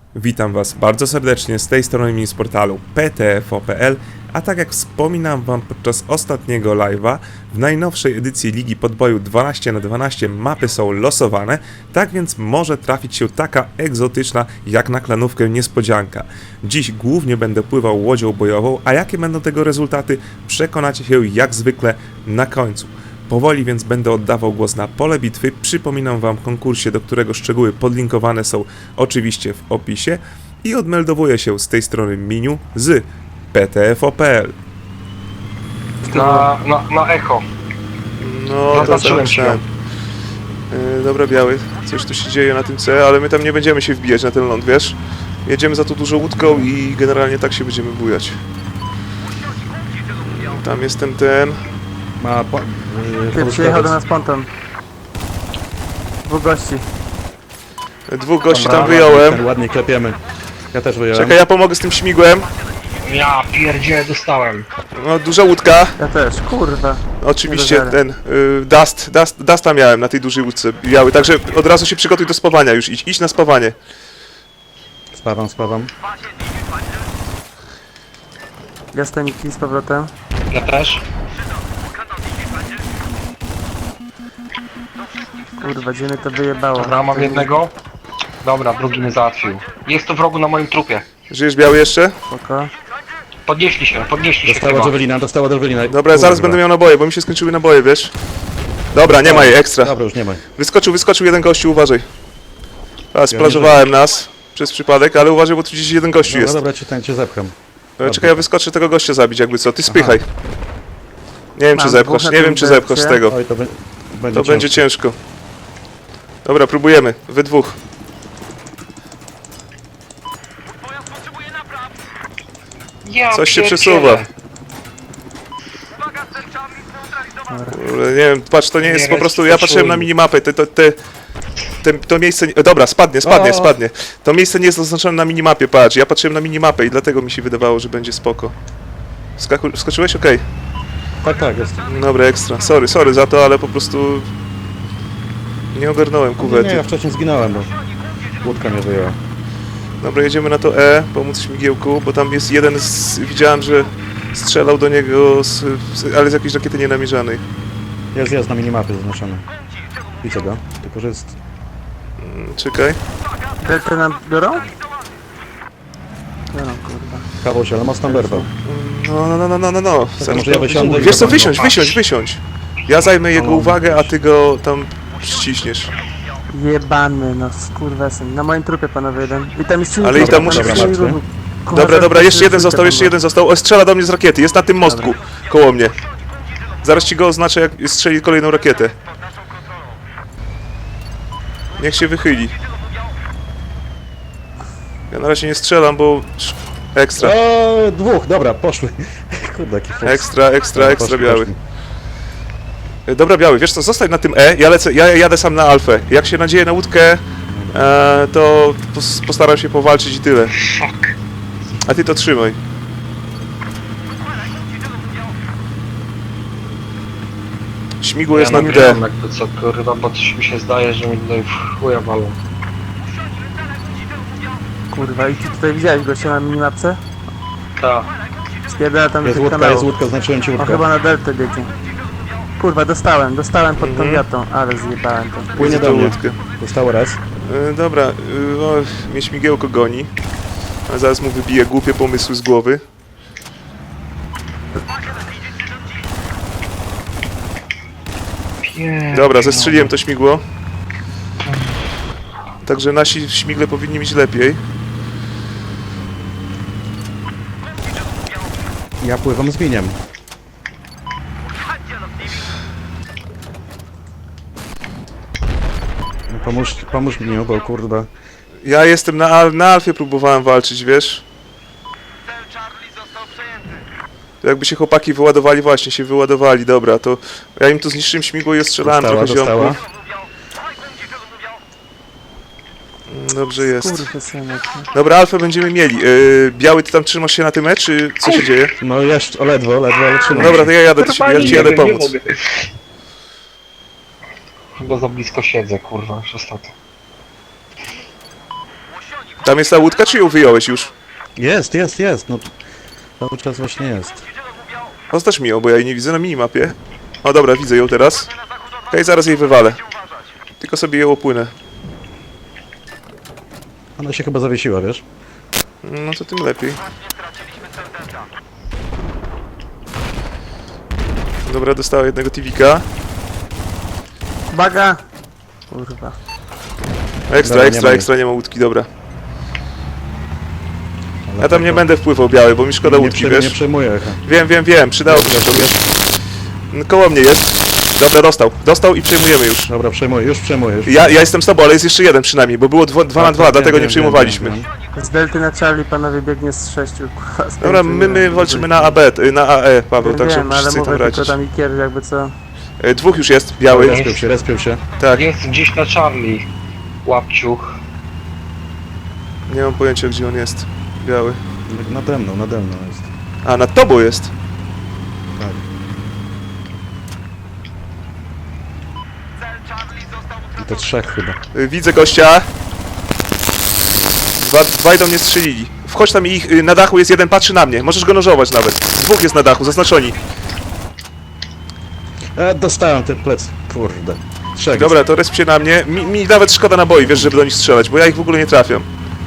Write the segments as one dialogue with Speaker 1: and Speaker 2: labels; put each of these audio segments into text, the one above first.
Speaker 1: Witam Was bardzo serdecznie z tej strony mini z portalu PTFO.pl, a tak jak wspominam Wam podczas ostatniego live'a, w najnowszej edycji Ligi Podboju 12×12 mapy są losowane, tak więc może trafić się taka egzotyczna jak na klanówkę niespodzianka. Dziś głównie będę pływał łodzią bojową, a jakie będą tego rezultaty przekonacie się jak zwykle na końcu. Powoli więc będę oddawał głos na pole bitwy. Przypominam Wam o konkursie, do którego szczegóły podlinkowane są oczywiście w opisie i odmeldowuję się z tej strony Miniu z PTFO.pl.
Speaker 2: Na echo.
Speaker 1: No, to
Speaker 2: Zaznaczyłem się.
Speaker 1: Dobra, Biały, coś tu się dzieje na tym C, ale my tam nie będziemy się wbijać na ten ląd, wiesz? Jedziemy za to dużą łódką i generalnie tak się będziemy bujać. Tam jest ten...
Speaker 3: Ma
Speaker 4: Ty przyjechał do nas ponton. Dwóch gości.
Speaker 1: Dwóch gości
Speaker 3: Dobra,
Speaker 1: tam wyjąłem.
Speaker 3: ładnie klepiemy. Ja też wyjąłem.
Speaker 1: Czekaj, ja pomogę z tym śmigłem.
Speaker 2: Ja pierdzielę, dostałem.
Speaker 1: No, duża łódka.
Speaker 4: Ja też, kurwa.
Speaker 1: Oczywiście
Speaker 4: Nie do
Speaker 1: ten Dusta miałem na tej dużej łódce biały, także od razu się przygotuj do spawania już, idź na spawanie.
Speaker 3: Spawam.
Speaker 4: Ja staniki z powrotem.
Speaker 2: Ja też.
Speaker 4: Kurwa, gdzie mnie to wyjebało.
Speaker 2: Dobra, mam jednego. Dobra, drugi mnie załatwił. Jest to wrogu na moim trupie.
Speaker 1: Żyjesz biały jeszcze?
Speaker 4: Spoko.
Speaker 2: Podnieśli się
Speaker 3: Dostała
Speaker 2: chyba.
Speaker 3: Javelina.
Speaker 1: Dobra, zaraz będę miał naboje, bo mi się skończyły naboje, wiesz? Dobra, nie ma jej, ekstra.
Speaker 3: Dobra, już nie ma.
Speaker 1: Wyskoczył jeden gościu, uważaj. A, splażowałem nas przez przypadek, ale uważaj, bo tu gdzieś jeden gościu
Speaker 3: No
Speaker 1: jest.
Speaker 3: dobra, cię zepcham.
Speaker 1: Czekaj, ja wyskoczę tego gościa zabić jakby co, ty spychaj. Nie wiem czy
Speaker 4: Mam
Speaker 1: zepchasz,
Speaker 4: dwóch na
Speaker 1: nie wiem
Speaker 4: tym
Speaker 1: czy zepchasz z
Speaker 4: belcie.
Speaker 1: tego.
Speaker 3: Oj,
Speaker 1: To będzie ciężko. Dobra, próbujemy, wy dwóch.
Speaker 2: Ja
Speaker 1: Coś się
Speaker 2: pierdzielę.
Speaker 1: przesuwa. Kurde, nie wiem, patrz, to nie jest
Speaker 2: Nie,
Speaker 1: po prostu, ja
Speaker 2: restartuj.
Speaker 1: patrzyłem na minimapę, to miejsce, dobra, spadnie. To miejsce nie jest oznaczone na minimapie, patrz, ja patrzyłem na minimapę i dlatego mi się wydawało, że będzie spoko. Skoczyłeś? Okej.
Speaker 3: Tak, jest.
Speaker 1: Dobra, ekstra, sorry za to, ale po prostu nie ogarnąłem
Speaker 3: Nie,
Speaker 1: kuwety.
Speaker 3: ja wcześniej zginąłem, bo łódka mnie wyjęła.
Speaker 1: Dobra, jedziemy na to E, pomóc śmigiełku, bo tam jest jeden widziałem, że strzelał do niego, ale z jakiejś rakiety nienamierzanej.
Speaker 3: Jest na minimapie zaznaczony. Widzę go, tylko że jest...
Speaker 1: Czekaj.
Speaker 4: Delta nam biorą? Biorą, kurwa.
Speaker 3: Kawał się, ale mocno berwał.
Speaker 1: No.
Speaker 3: To może ja wysiądę i
Speaker 1: Wiesz co,
Speaker 3: zobaczę.
Speaker 1: wysiądź. Ja zajmę jego uwagę, a ty go tam ściśniesz.
Speaker 4: Jebany, no skurwesyn. Na moim trupie panowie jeden. I tam jest silnik.
Speaker 1: Ale i tam
Speaker 4: dobra,
Speaker 1: musi
Speaker 4: dobra,
Speaker 1: być-
Speaker 4: dobra. Kurwa,
Speaker 1: Dobra,
Speaker 4: zaraz
Speaker 1: jeszcze jeden
Speaker 4: trójkę
Speaker 1: został. O, strzela do mnie z rakiety, jest na tym mostku, koło mnie. Zaraz ci go oznaczę, jak strzeli kolejną rakietę. Niech się wychyli. Ja na razie nie strzelam, bo... Ekstra,
Speaker 3: O, dwóch, dobra, poszły. Kurde, jaki fuks.
Speaker 1: ekstra,
Speaker 3: Poszły.
Speaker 1: biały. Dobra, biały, wiesz co, zostań na tym E, ja jadę sam na alfę. Jak się nadzieję na łódkę, to postaram się powalczyć i tyle.
Speaker 2: Fuck.
Speaker 1: A ty to trzymaj. Śmigło jest na D.
Speaker 2: nagrywam jakby co, kurwa, bo coś mi się zdaje, że mi tutaj w chuja walą.
Speaker 4: Kurwa, i ty tutaj widziałeś gościa na minimapce?
Speaker 2: Tak.
Speaker 4: Spierdala tam do
Speaker 3: Jest
Speaker 4: tych
Speaker 3: łódka,
Speaker 4: kanałów.
Speaker 3: znaczyłem ci
Speaker 4: On
Speaker 3: łódkę.
Speaker 4: chyba na deltę biegnie. Kurwa, dostałem pod tą wiatą, ale zjebałem to.
Speaker 3: Płynie
Speaker 1: Widzę
Speaker 3: do
Speaker 1: tą
Speaker 3: mnie.
Speaker 1: łódkę.
Speaker 3: Zostało raz.
Speaker 1: Dobra, no, mnie śmigiełko goni. A zaraz mu wybiję głupie pomysły z głowy. Dobra, zestrzeliłem to śmigło. Także nasi śmigle powinni mieć lepiej.
Speaker 3: Ja pływam z miniem. No pomóż mi, bo kurde.
Speaker 1: Ja jestem na Alfie, próbowałem walczyć, wiesz? To jakby się chłopaki wyładowali, właśnie się wyładowali, dobra, to ja im tu zniszczyłem śmigło i ostrzelałem trochę
Speaker 3: Dostała.
Speaker 1: ziomków. Dobrze jest.
Speaker 4: Kurwysynek.
Speaker 1: Dobra, Alfę będziemy mieli. Biały, ty tam trzymasz się na tym E, czy co się dzieje?
Speaker 3: No jeszcze, ledwo, ale trzymam
Speaker 1: Dobra,
Speaker 3: się.
Speaker 1: to ja jadę do ciebie, ja ci jadę pomóc.
Speaker 2: Chyba za blisko siedzę, kurwa, już ostatnio.
Speaker 1: Tam jest ta łódka, czy ją wyjąłeś już?
Speaker 3: Jest, no. Cały czas właśnie jest.
Speaker 1: Oznacz mi ją, bo ja jej nie widzę na minimapie. O dobra, widzę ją teraz. Okej, zaraz jej wywalę. Tylko sobie ją opłynę.
Speaker 3: Ona się chyba zawiesiła, wiesz?
Speaker 1: No to tym lepiej. Dobra, dostała jednego TV'ka.
Speaker 4: Uwaga! Kurwa.
Speaker 1: Ekstra, nie ma łódki, dobra.
Speaker 3: Ale
Speaker 1: Ja tam nie
Speaker 3: tak,
Speaker 1: będę wpływał biały, bo mi szkoda łódki,
Speaker 3: nie
Speaker 1: wiesz?
Speaker 3: przejmuję echa.
Speaker 1: Wiem, przydałoby się to, wiesz? Koło mnie jest. Dobra, dostał i przejmujemy już.
Speaker 3: Dobra, przejmuję, już przejmuję. Już
Speaker 1: Ja jestem z tobą, ale jest jeszcze jeden przynajmniej, bo było 2 na 2,
Speaker 3: Tak,
Speaker 1: dlatego
Speaker 3: wiem,
Speaker 1: nie przejmowaliśmy.
Speaker 3: wiem.
Speaker 4: Z delty na Charlie panowie biegnie z 6, kurwa.
Speaker 1: Dobra, my walczymy na AB, na AE, Paweł, tak
Speaker 4: Wiem,
Speaker 1: żeby
Speaker 4: ale
Speaker 1: wszyscy tam
Speaker 4: mówię tylko
Speaker 1: radzić.
Speaker 4: tam Ikier jakby co.
Speaker 1: Dwóch już jest, biały.
Speaker 3: Respił się.
Speaker 1: Tak,
Speaker 2: Jest gdzieś na Charlie. Łapciuch.
Speaker 1: nie mam pojęcia gdzie on jest. Biały.
Speaker 3: Nade mną jest.
Speaker 1: A, nad tobą jest.
Speaker 3: Tak. I to 3 chyba.
Speaker 1: Widzę gościa. Dwaj do mnie strzelili. Wchodź tam i ich, na dachu jest jeden, patrzy na mnie. Możesz go nożować nawet. Dwóch jest na dachu, zaznaczoni.
Speaker 3: Dostałem ten plec. Kurde. 3
Speaker 1: Dobra, to respcie na mnie. Mi nawet szkoda naboi, wiesz, żeby do nich strzelać, bo ja ich w ogóle nie trafiam.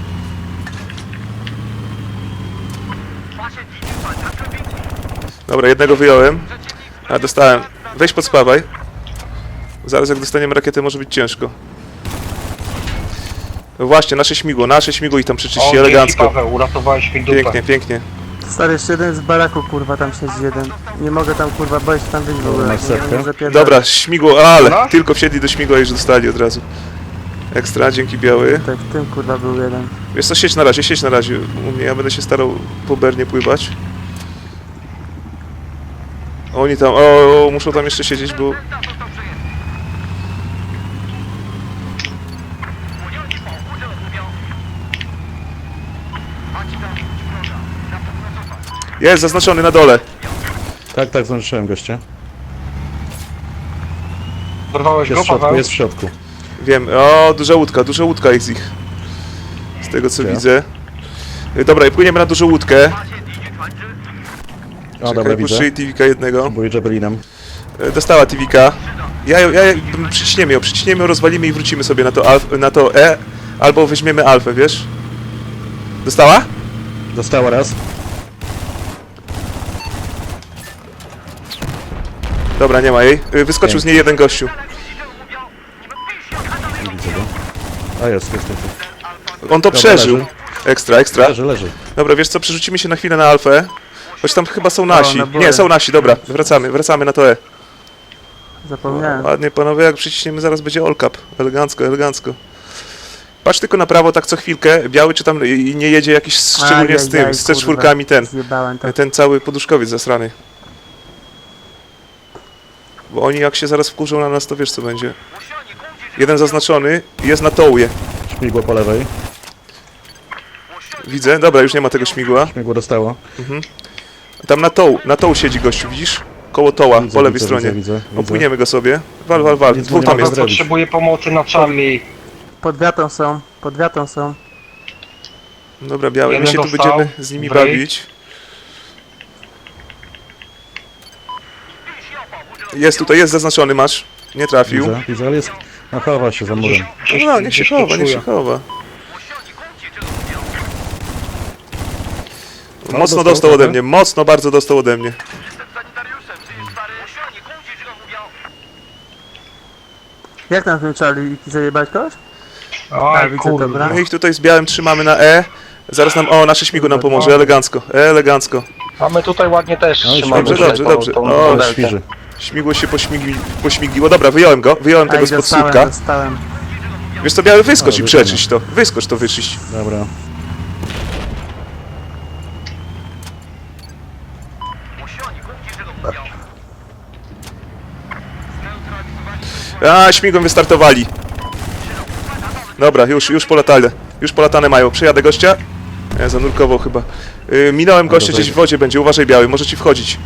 Speaker 1: Dobra, jednego wyjąłem. A, dostałem. Weź podspawaj. Zaraz jak dostaniemy rakietę, może być ciężko. No właśnie, nasze śmigło i tam przeczyści
Speaker 2: Dzięki,
Speaker 1: elegancko.
Speaker 2: Paweł, uratowałeś mi dupę.
Speaker 1: Pięknie.
Speaker 4: Stary, jeszcze jeden z baraku, kurwa, tam siedzi jeden. Nie mogę tam, kurwa, boję się tam wyjść w ogóle.
Speaker 3: masz setkę?
Speaker 4: Nie zapierdalać.
Speaker 1: Dobra, śmigło, ale
Speaker 2: No.
Speaker 1: tylko wsiedli do śmigła i już dostali od razu. Ekstra, dzięki biały.
Speaker 4: Tak, w tym, kurwa, był jeden.
Speaker 1: Wiesz co, siedź na razie u mnie, ja będę się starał po Bernie pływać. Oni tam, muszą tam jeszcze siedzieć, bo... Jest, zaznaczony na dole.
Speaker 3: Tak, zobaczyłem gościa.
Speaker 2: Dorwałeś
Speaker 3: Jest
Speaker 2: go,
Speaker 3: w środku,
Speaker 2: Paweł?
Speaker 3: jest w środku.
Speaker 1: Wiem, duża łódka jest ich. Z tego co
Speaker 3: Gdzie?
Speaker 1: widzę. Dobra, i płyniemy na dużą łódkę.
Speaker 3: O, dobra,
Speaker 1: Czekaj,
Speaker 3: widzę.
Speaker 1: puszczę TV'ka jednego.
Speaker 3: Bój Jabelinem.
Speaker 1: Dostała TV'ka. Przyciśniemy ją, rozwalimy i wrócimy sobie na to E, albo weźmiemy alfę, wiesz? Dostała?
Speaker 3: Dostała raz.
Speaker 1: Dobra, nie ma jej. Wyskoczył z niej jeden gościu.
Speaker 3: Nie widzę go. A jest.
Speaker 1: On to
Speaker 3: Dobra,
Speaker 1: przeżył.
Speaker 3: leży.
Speaker 1: Ekstra.
Speaker 3: Leży.
Speaker 1: Dobra, wiesz co, przerzucimy się na chwilę na alfę. Choć tam chyba są nasi.
Speaker 4: na bole.
Speaker 1: Nie, są nasi, dobra. Wracamy na to E.
Speaker 4: Zapomniałem.
Speaker 1: Ładnie, panowie, jak przyciśniemy, zaraz będzie all cap. Elegancko. Patrz tylko na prawo, tak co chwilkę. Biały, czy tam nie jedzie jakiś, szczególnie z tym, z C4 ten.
Speaker 4: Zjebałem to.
Speaker 1: Ten cały poduszkowiec zasrany. Bo oni jak się zaraz wkurzą na nas, to wiesz co będzie. Jeden zaznaczony, jest na tołuje.
Speaker 3: Śmigło po lewej.
Speaker 1: Widzę, dobra, już nie ma tego śmigła.
Speaker 3: Śmigło dostało.
Speaker 1: Tam na toł siedzi gościu, widzisz? Koło toła,
Speaker 3: Widzę,
Speaker 1: po lewej
Speaker 3: widzę,
Speaker 1: stronie.
Speaker 3: widzę.
Speaker 1: Opłyniemy go sobie. Wal.
Speaker 3: Nic
Speaker 1: Dwóch
Speaker 3: nie
Speaker 1: tam
Speaker 3: mogę
Speaker 1: jest.
Speaker 3: zrobić.
Speaker 2: Potrzebuję pomocy na Charlie.
Speaker 4: Pod wiatą są.
Speaker 1: Dobra, biały, my
Speaker 2: Jeden
Speaker 1: się tu
Speaker 2: dostał.
Speaker 1: będziemy z nimi
Speaker 2: Break.
Speaker 1: bawić. Jest tutaj, jest zaznaczony, masz. Nie trafił.
Speaker 3: Widzę, ale jest... No chowa się za murem.
Speaker 1: No, niech się
Speaker 2: gdzieś to
Speaker 1: chowa,
Speaker 2: czuję.
Speaker 1: Mocno
Speaker 3: dostał
Speaker 1: dostał ode
Speaker 3: trochę.
Speaker 1: mnie, bardzo dostał ode mnie.
Speaker 4: Jak tam w tym Charlie? Zajebać kogoś?
Speaker 2: Oj,
Speaker 4: widzę,
Speaker 2: kurde.
Speaker 4: dobra.
Speaker 1: My ich tutaj z białym trzymamy na E. Zaraz nam, nasze śmigło nam pomoże, elegancko.
Speaker 2: A my tutaj ładnie też
Speaker 3: No i
Speaker 2: trzymamy
Speaker 1: dobrze,
Speaker 2: tutaj
Speaker 1: dobrze.
Speaker 2: tą
Speaker 1: O,
Speaker 2: deltę.
Speaker 3: Świży.
Speaker 1: Śmigło się pośmigiło. Dobra, wyjąłem tego spod słupka.
Speaker 4: Dostałem.
Speaker 1: Wiesz co, biały, wyskocz
Speaker 3: O,
Speaker 1: i
Speaker 3: wykonał.
Speaker 1: przeczyść to. Wyskocz to, wyczyść.
Speaker 3: Dobra.
Speaker 1: Śmigłem wystartowali. Dobra, już polatali. Już polatane mają. Przejadę gościa. Nie, zanurkował chyba. Minąłem gościa,
Speaker 3: dobra.
Speaker 1: gdzieś w wodzie będzie. Uważaj, biały, może ci wchodzić.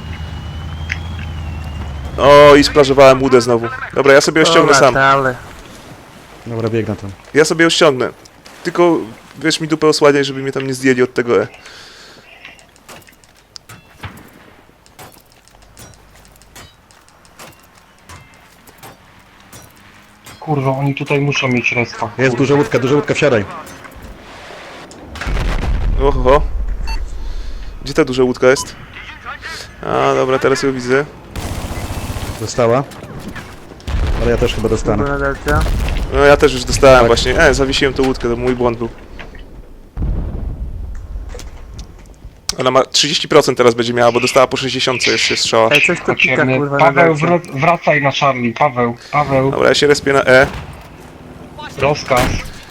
Speaker 1: O, i splażowałem łudę znowu. Dobra, ja sobie ją ściągnę sam.
Speaker 4: Ale.
Speaker 3: Dobra, biegnę tam.
Speaker 1: Ja sobie ją ściągnę. Tylko wiesz, mi dupę osłaniaj, żeby mnie tam nie zdjęli od tego E.
Speaker 2: Kurwa, oni tutaj muszą mieć respa.
Speaker 3: Jest duża łódka, wsiadaj.
Speaker 1: Oho. Gdzie ta duża łódka jest? A, dobra, teraz ją widzę.
Speaker 3: Dostała. Ale ja też chyba dostanę.
Speaker 4: Na delcie.
Speaker 1: No ja też już dostałem
Speaker 3: Tak.
Speaker 1: właśnie. Zawiesiłem tą łódkę, to mój błąd był. Ona ma 30% teraz będzie miała, bo dostała po 60 jeszcze strzała.
Speaker 4: Ej, coś tu pika,
Speaker 2: Potrzebny.
Speaker 4: kurwa, na
Speaker 2: Paweł,
Speaker 4: delcie.
Speaker 2: wracaj na Charlie, Paweł,
Speaker 1: Dobra, ja się respię na E.
Speaker 2: rozkaz.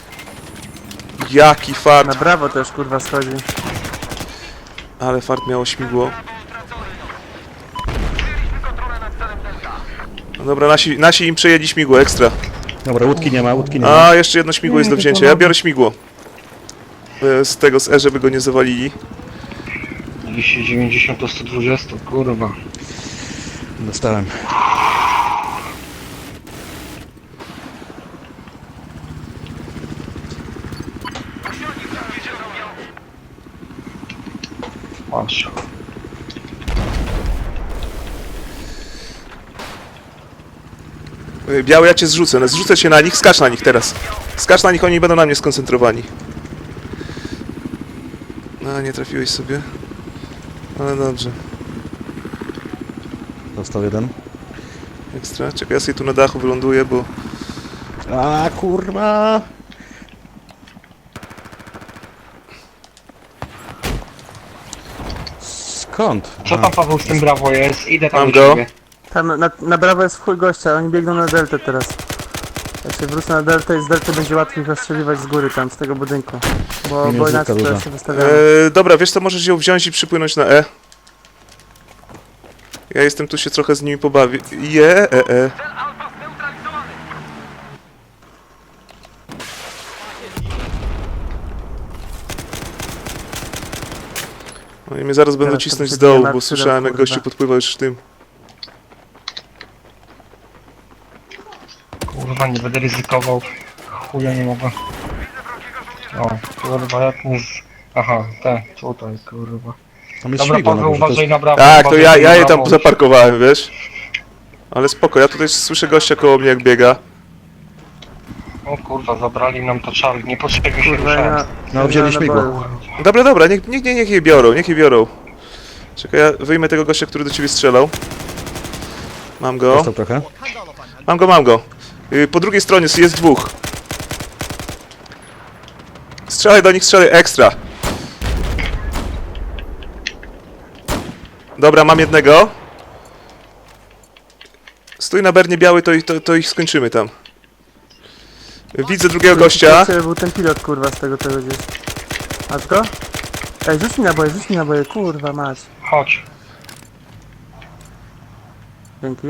Speaker 1: Jaki
Speaker 4: Na
Speaker 1: fart.
Speaker 4: brawo też, kurwa, schodzi.
Speaker 1: Ale fart miało śmigło. No dobra, nasi im przejęli śmigło, ekstra.
Speaker 3: Dobra, łódki nie ma.
Speaker 1: A, jeszcze jedno śmigło jest do wzięcia. Ja biorę śmigło. Z E, żeby go nie zawalili.
Speaker 2: 290 do 120, kurwa.
Speaker 3: Dostałem.
Speaker 2: Masz.
Speaker 1: Biały, ja cię zrzucę. No, zrzucę cię na nich, skacz na nich teraz. Skacz na nich, oni będą na mnie skoncentrowani. No, nie trafiłeś sobie. Ale dobrze.
Speaker 3: Dostał jeden.
Speaker 1: Ekstra. Czekaj, ja sobie tu na dachu wyląduję, bo...
Speaker 3: A kurwa! Skąd?
Speaker 2: Co tam Paweł z tym brawo jest? Idę tam
Speaker 1: Mam
Speaker 2: do
Speaker 1: go.
Speaker 2: ciebie.
Speaker 4: Tam na brawo jest w chuj gościa, oni biegną na deltę teraz. Ja się wrócę na deltę i z delty będzie łatwiej zastrzeliwać z góry tam, z tego budynku. Bo
Speaker 3: Minus
Speaker 4: inaczej
Speaker 3: duża.
Speaker 4: teraz się wystawiamy.
Speaker 1: Dobra, wiesz co, możesz ją wziąć i przypłynąć na E. Ja jestem tu się trochę z nimi pobawię. No i mnie zaraz będą
Speaker 4: Teraz
Speaker 1: cisnąć
Speaker 4: to
Speaker 1: z dołu,
Speaker 4: przebijemy
Speaker 1: bo
Speaker 4: akcję,
Speaker 1: słyszałem jak
Speaker 4: kurwa.
Speaker 1: gościu podpływał już tym.
Speaker 2: Kurwa, nie będę ryzykował. Chuja nie mogę. O, kurwa, jak nie z... Aha, tutaj, kurwa.
Speaker 3: Tam jest
Speaker 2: Dobra,
Speaker 3: śmigło
Speaker 2: Paweł,
Speaker 3: na górze, to
Speaker 2: uważaj
Speaker 3: jest...
Speaker 2: na brawo.
Speaker 1: Tak, to
Speaker 2: uważaj
Speaker 1: ja
Speaker 2: na
Speaker 1: je tam
Speaker 2: brawo.
Speaker 1: zaparkowałem, wiesz? Ale spoko, ja tutaj słyszę gościa koło mnie jak biega.
Speaker 2: O kurwa, zabrali nam to Charlie, niepotrzebnie się
Speaker 4: Kurwa,
Speaker 2: ruszałem.
Speaker 4: ja...
Speaker 3: No, wzięli śmigło.
Speaker 1: Dobra, niech je biorą, Czekaj, ja wyjmę tego gościa, który do ciebie strzelał. Mam go.
Speaker 3: Dostał trochę.
Speaker 1: Mam go. Po drugiej stronie jest dwóch. Strzelaj do nich, strzelaj ekstra. Dobra, mam jednego. Stój na bernie biały, to ich skończymy tam. Widzę drugiego gościa.
Speaker 4: To był ten pilot, kurwa, z tego czego gdzieś. Masz go? Ej, rzuć mi naboje, kurwa, mać.
Speaker 2: Chodź.
Speaker 4: Dzięki.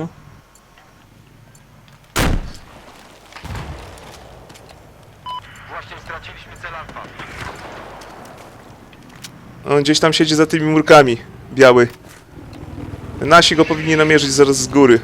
Speaker 1: On gdzieś tam siedzi za tymi murkami. Biały. Nasi go powinni namierzyć zaraz z góry.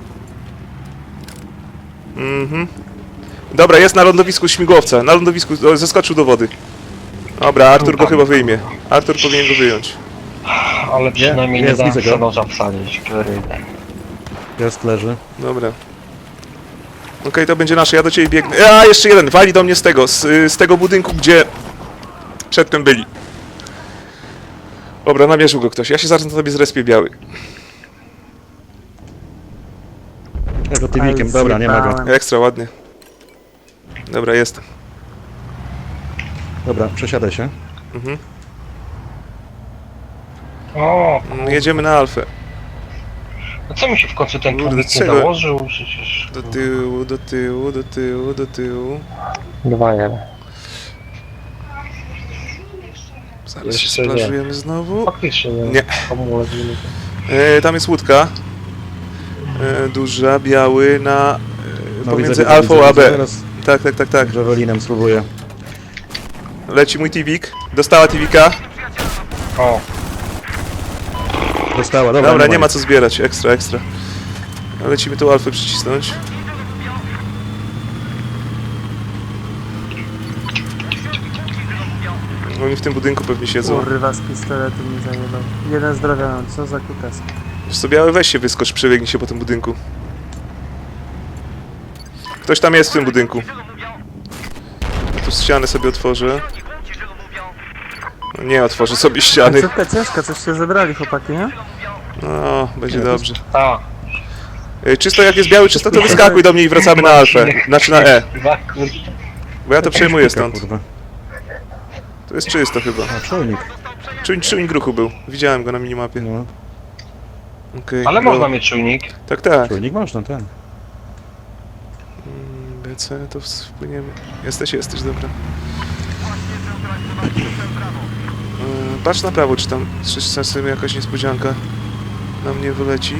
Speaker 1: Dobra, jest na lądowisku śmigłowca. Na lądowisku, zeskoczył do wody. Dobra, Artur go chyba wyjmie. Artur powinien go wyjąć.
Speaker 2: Ale przynajmniej nie
Speaker 3: jest,
Speaker 2: dałem
Speaker 3: widzę go.
Speaker 2: noża wsadzić, który...
Speaker 3: Jest, leży.
Speaker 1: Dobra. Okej, to będzie nasze, ja do ciebie biegnę. Jeszcze jeden, wali do mnie z tego budynku, gdzie przedtem byli. Dobra, namierzył go ktoś. Ja się zaraz na tobie zrespię biały.
Speaker 3: Ja go tywikiem, dobra, nie ma go.
Speaker 4: Zjebałem.
Speaker 1: Ekstra, ładnie. Dobra, jestem.
Speaker 3: Dobra, przesiadaj się.
Speaker 2: O,
Speaker 1: Jedziemy na Alfę.
Speaker 2: no co mi się w końcu ten
Speaker 1: Kurde,
Speaker 2: tłumik nie
Speaker 1: czego?
Speaker 2: założył? Przecież...
Speaker 1: Do tyłu, do tyłu, do tyłu, do tyłu.
Speaker 2: 2-1.
Speaker 1: Zaraz się
Speaker 2: Jeszcze nie.
Speaker 1: splażujemy znowu.
Speaker 2: Faktycznie nie.
Speaker 1: Nie.
Speaker 2: Hamulec.
Speaker 1: Tam jest łódka. Duża, biały na... pomiędzy
Speaker 3: widzę,
Speaker 1: Alfą a B.
Speaker 3: Teraz
Speaker 1: Tak.
Speaker 3: Javelinem spróbuję.
Speaker 1: Leci mój Tivik. Dostała Tivika.
Speaker 2: O,
Speaker 3: Dostała, dobra.
Speaker 1: Dobra, nie ma co zbierać. Ekstra. Lecimy tą Alfę przycisnąć. Oni w tym budynku pewnie siedzą.
Speaker 4: Kurwa, z pistoletu mi zajebał. Jeden zdrowia mam, co za kutas.
Speaker 1: Wiesz co, biały, weź się wyskocz, przebiegnij się po tym budynku. Ktoś tam jest w tym budynku. Ja tu ścianę sobie otworzę. No nie otworzę sobie ściany.
Speaker 4: Końcówka ciężka, coś się zebrali chłopaki, nie?
Speaker 1: No, będzie dobrze.
Speaker 2: Tak.
Speaker 1: Czysto jak jest biały, czysto to wyskakuj do mnie i wracamy na alfę. Znaczy na E.
Speaker 2: Dwa, kurde.
Speaker 1: Bo ja to przejmuję stąd.
Speaker 3: Kurwa.
Speaker 1: To jest czysto chyba.
Speaker 3: A, czujnik.
Speaker 1: Czujnik ruchu był. Widziałem go na minimapie.
Speaker 3: No,
Speaker 1: Okej.
Speaker 2: Ale
Speaker 1: no.
Speaker 2: można mieć czujnik.
Speaker 1: Tak, tak.
Speaker 3: czujnik można, ten.
Speaker 1: BC, to wpłyniemy. Jesteś, dobra. Patrz na prawo, czy tam czasem jakaś niespodzianka na mnie wyleci.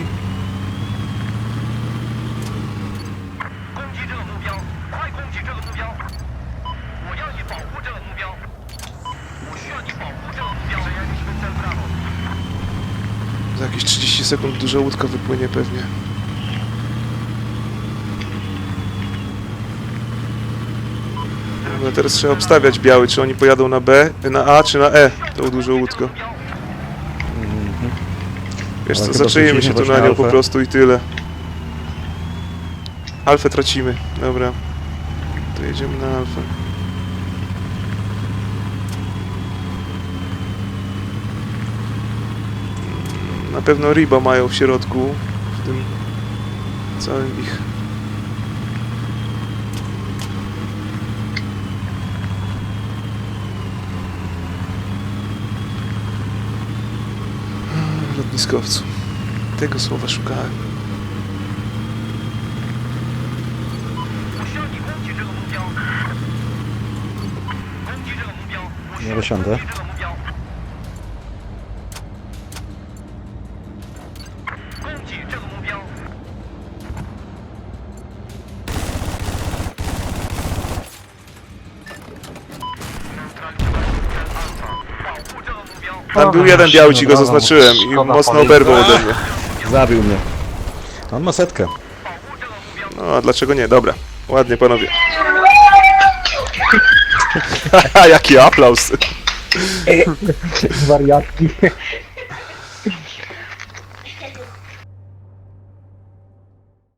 Speaker 1: Za jakieś 30 sekund duża łódka wypłynie pewnie. No teraz trzeba obstawiać biały, czy oni pojadą na B, na A, czy na E, tą dużą łódką. Wiesz
Speaker 3: Ale
Speaker 1: co,
Speaker 3: chyba
Speaker 1: zaczęjemy się
Speaker 3: tracimy
Speaker 1: tu na
Speaker 3: właśnie
Speaker 1: nią po
Speaker 3: alfę.
Speaker 1: prostu i tyle. Alfę tracimy, dobra. To jedziemy na alfę. Na pewno Riba mają w środku, w tym całym ich... lotniskowcu. Tego słowa szukałem.
Speaker 3: Nie wysiądę.
Speaker 1: Tam był jeden biały, ci go zaznaczyłem i mocno oberwał ode mnie.
Speaker 3: Zabił mnie. On ma setkę.
Speaker 1: No, a dlaczego nie? Dobra. Ładnie, panowie. Haha, jaki aplauz.
Speaker 2: Wariatki.